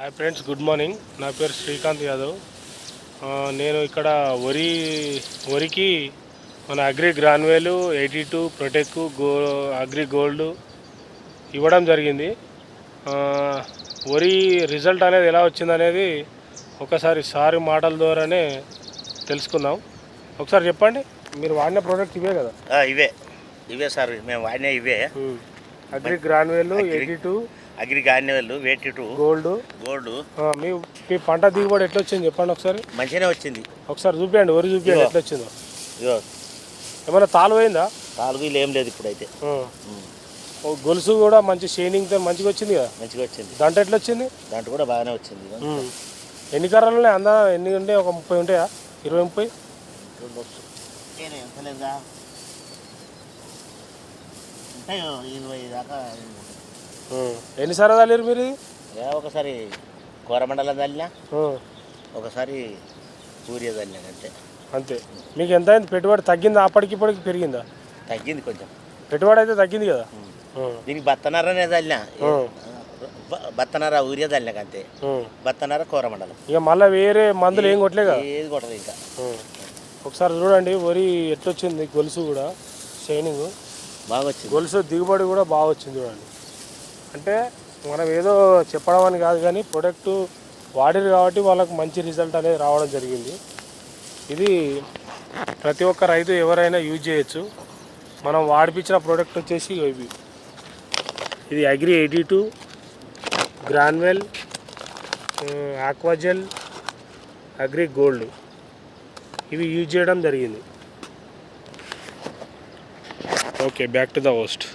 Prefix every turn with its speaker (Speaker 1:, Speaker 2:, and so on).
Speaker 1: Hi friends, good morning. నా పేరు శ్రీకాంత్ యాదవ్. నేను ఇక్కడ వరికి మన agri granules 82 Protek agri gold ఇవ్వడం జరిగింది. వరి రిజల్ట్ అనేది ఎలా వచ్చిందనేది ఒకసారి సారి మాటల ద్వారానే తెలుసుకుందాం. ఒకసారి చెప్పండి, మీరు వాడిన ప్రోడక్ట్ ఇవే కదా?
Speaker 2: ఇవే సార్, మేము వాడిన ఇవే.
Speaker 1: Agri granules 82
Speaker 2: agri granules 82 gold.
Speaker 1: మీ పంట దిగుబడి ఎట్లా వచ్చింది చెప్పండి ఒకసారి.
Speaker 2: మంచిగానే వచ్చింది.
Speaker 1: ఒకసారి చూపించండి, వరి చూపించండి ఎట్లా వచ్చిందో. ఏమైనా తాలు పోయిందా?
Speaker 2: తాలుగు ఏం లేదు ఇప్పుడైతే.
Speaker 1: గొలుసు కూడా మంచి షైనింగ్తో మంచిగా వచ్చింది కదా? మంచిగా
Speaker 2: వచ్చింది.
Speaker 1: దాంట్లో ఎట్లా వచ్చింది?
Speaker 2: దాంట్లో కూడా బాగానే వచ్చింది.
Speaker 1: ఎన్ని కర్రలు ఉన్నాయి? ఎన్ని ఉంటాయి? ఒక 30 ఉంటాయా? 20-30
Speaker 2: 20 దాకా.
Speaker 1: ఎన్నిసార్లు చల్లారు మీరు?
Speaker 2: ఒకసారి కోరమండలం చల్లినా, ఒకసారి సూర్య చల్లినా
Speaker 1: అంతే. మీకు ఎంత అయింది పెట్టుబడి? తగ్గిందా అప్పటికి ఇప్పటికి పెరిగిందా?
Speaker 2: తగ్గింది కొంచెం.
Speaker 1: పెట్టుబడి అయితే తగ్గింది కదా.
Speaker 2: దీనికి బత్తనరనే చల్లినా, బత్తనర ఊరియా చల్లినాక అంతే. బత్తనర కోరమండలం.
Speaker 1: ఇక మళ్ళీ వేరే మందులు ఏం కొట్టలే కదా?
Speaker 2: ఏది కొట్టదు ఇంకా.
Speaker 1: ఒకసారి చూడండి వరి ఎట్లొచ్చింది. గొలుసు కూడా షైనింగ్
Speaker 2: బాగా వచ్చింది.
Speaker 1: గొలుసు దిగుబడి కూడా బాగా వచ్చింది చూడండి. అంటే మనం ఏదో చెప్పడం అని కాదు, కానీ ప్రొడక్ట్ వాడిరు కాబట్టి వాళ్ళకు మంచి రిజల్ట్ అనేది రావడం జరిగింది. ఇది ప్రతి ఒక్క రైతు ఎవరైనా యూజ్ చేయొచ్చు. మనం వాడిపించిన ప్రోడక్ట్ వచ్చేసి ఇది agri 82 granule Aquagel agri gold ఇవి యూజ్ చేయడం జరిగింది. Okay, back to the host.